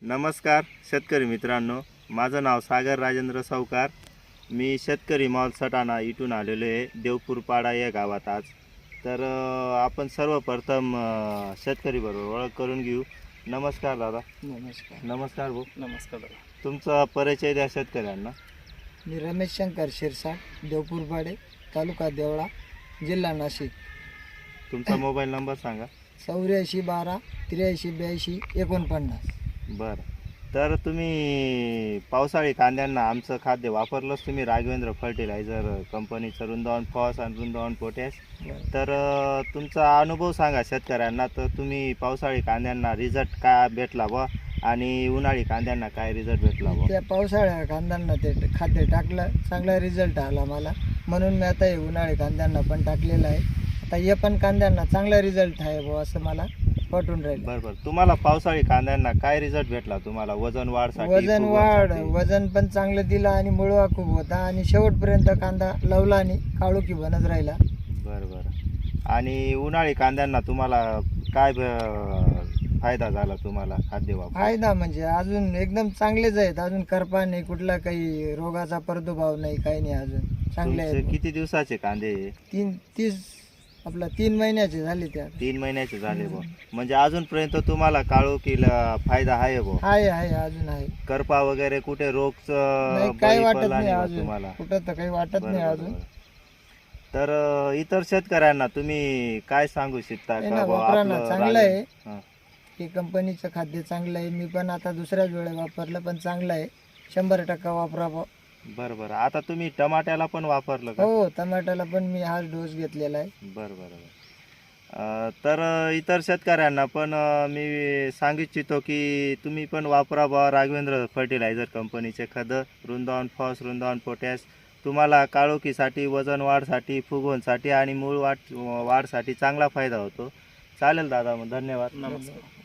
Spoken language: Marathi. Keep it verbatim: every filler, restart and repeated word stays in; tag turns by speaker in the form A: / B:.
A: नमस्कार शेतकरी मित्रांनो, माझं नाव सागर राजेंद्र सावकार. मी शेतकरी मॉल सटाणा इथून आलेलो आहे देवपूरपाडा या गावात आज. तर अ, आपण सर्वप्रथम अ, शेतकरी बरोबर ओळख करून घेऊ. नमस्कार दादा.
B: नमस्कार.
A: नमस्कार भाऊ.
B: नमस्कार दादा.
A: तुमचा परिचय द्या शेतकऱ्यांना.
B: मी रमेश शंकर शिरसाट, देवपूरपाडे, तालुका देवळा, जिल्हा नाशिक.
A: तुमचा मोबाईल नंबर सांगा.
B: चौऱ्याऐंशी बारा त्र्याऐंशी ब्याऐंशी एकोणपन्नास.
A: बरं, तर तुम्ही पावसाळी कांद्यांना आमचं खाद्य वापरलंच तुम्ही, राघवेंद्र फर्टिलायझर कंपनीचं वृंदावन फॉस आणि वृंदावन पोटॅश. तर अ, तुमचा अनुभव सांगा शेतकऱ्यांना. तर तुम्ही पावसाळी कांद्यांना रिझल्ट काय भेटला बा आणि उन्हाळी कांद्यांना काय रिझल्ट भेटला बा?
B: त्या पावसाळ्या कांद्यांना ते खाद्य टाकलं, चांगला रिझल्ट आला मला, म्हणून मी आता हे उन्हाळी कांद्यांना पण टाकलेलं आहे. आता हे पण कांद्यांना चांगला रिझल्ट आहे बुवा असं मला वाटून राहिलं.
A: बरं बरं, तुम्हाला पावसाळी कांद्यांना काय रिझल्ट भेटला? तुम्हाला वजन वाढसाठी,
B: वजन वाढ
A: फुगवणसाठी?
B: वजन पण चांगलं दिलं आणि मुळवा खूप होता आणि शेवटपर्यंत कांदा लवला आणि काळोखी बनत राहिला.
A: बरं बरं. आणि उन्हाळी कांद्यांना तुम्हाला काय ब- फायदा झाला तुम्हाला खाद्य वापर?
B: फायदा म्हणजे अजून एकदम चांगलेच आहेत, अजून करपा नाही, कुठला काही रोगाचा प्रादुर्भाव नाही, काही नाही, अजून चांगले
A: तुमचे
B: आहेत.
A: किती दिवसाचे कांदे?
B: तीन तीस आपला तीन महिन्याचे झाले त्या.
A: तीन महिन्याचे झाले बुवा. म्हणजे अजूनपर्यंत तुम्हाला काळोखीला फायदा आहे बुवा.
B: आहे आहे अजून आहे.
A: करपा वगैरे कुठे रोग
B: नाही, काही वाटत नाही अजून,
A: तुम्हाला?
B: कुठं तर काही वाटत
A: बरं,
B: नाही
A: बरं,
B: अजून.
A: बरं. तर अ, इतर शेतकऱ्यांना तुम्ही काय सांगू शकता
B: नाही
A: का
B: ना,
A: बुवा
B: वापरा ना,
A: आपलं
B: चांगलं
A: राग-
B: आहे.
A: हं.
B: हे कंपनीचं खाद्य चांगलं आहे. मी पण आता दुसऱ्याच वेळेला वापरलं, पण चांगलं आहे. शंभर टक्का वापरावं.
A: बरं बरं. आता तुम्ही टमाट्याला पण वापरलं का?
B: हो, टमाट्याला पण मी हाच डोस घेतलेला आहे.
A: बरं बरं बरं. अ, तर अ, इतर शेतकऱ्यांना पण अ, मी सांगू इच्छितो की तुम्ही पण वापरा बा राघवेंद्र फर्टिलायझर कंपनीचे खतं, वृंदावन फॉस, वृंदावन पोटॅश. तुम्हाला काळोखीसाठी, वजन वाढसाठी, फुगवणसाठी आणि मूळ वाढ वाढसाठी चांगला फायदा होतो. चालेल दादा, मग धन्यवाद.
B: नमस्कार.